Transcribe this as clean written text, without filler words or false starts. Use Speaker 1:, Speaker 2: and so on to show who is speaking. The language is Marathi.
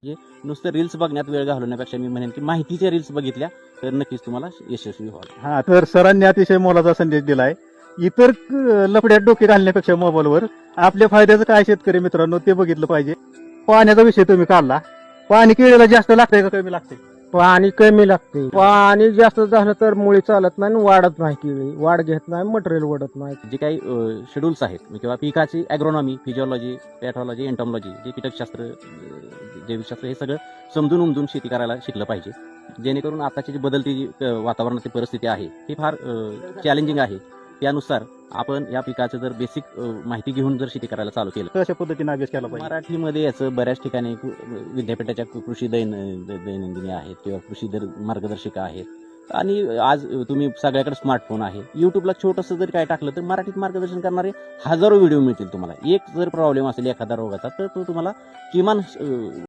Speaker 1: म्हणजे नुसतं रील्स बघण्यात वेळ घालवण्यापेक्षा मी म्हणेन की माहितीच्या रील्स बघितल्या तर नक्कीच तुम्हाला यशस्वी व्हाल.
Speaker 2: हा, तर सरांनी अतिशय मोलाचा संदेश दिलाय. इतर लफड्यात डोके घालण्यापेक्षा मोबाईलवर आपल्या फायद्याचं काय शेतकरी मित्रांनो ते बघितलं पाहिजे. पाण्याचा विषय तुम्ही काढला. पाणी केळीला जास्त लागतंय का कमी लागतंय?
Speaker 3: पाणी कमी लागते. पाणी जास्त झालं तर मुळी चालत नाही आणि वाढत नाही. केळी वाढ घेत नाही, मटेरियल वाढत नाही.
Speaker 1: जे काही शेड्यूल्स आहेत किंवा पिकाची ॲग्रोनॉमी, फिजिओलॉजी, पॅथॉलॉजी, एंटॉमॉलॉजी, जे कीटकशास्त्र, जैविकशास्त्र हे सगळं समजून उमजून शेती करायला शिकलं पाहिजे. जेणेकरून आताची जी बदलती जी वातावरणाची परिस्थिती आहे ती फार चॅलेंजिंग आहे. त्यानुसार आपण या पिकाचं जर बेसिक माहिती घेऊन जर शेती करायला चालू केलं,
Speaker 2: कशा पद्धतीने अभ्यास केला पाहिजे?
Speaker 1: मराठीमध्ये याचं बऱ्याच ठिकाणी विद्यापीठाच्या कृषी दैनंदिनी आहेत किंवा कृषी मार्गदर्शिका आहेत. आणि आज तुम्ही सगळ्याकडे स्मार्टफोन आहे. युट्यूबला छोटंसं जरी काय टाकलं तर मराठीत मार्गदर्शन करणारे हजारो व्हिडिओ मिळतील तुम्हाला. एक जर प्रॉब्लेम असेल एखादा रोगाचा तर तो तुम्हाला किमान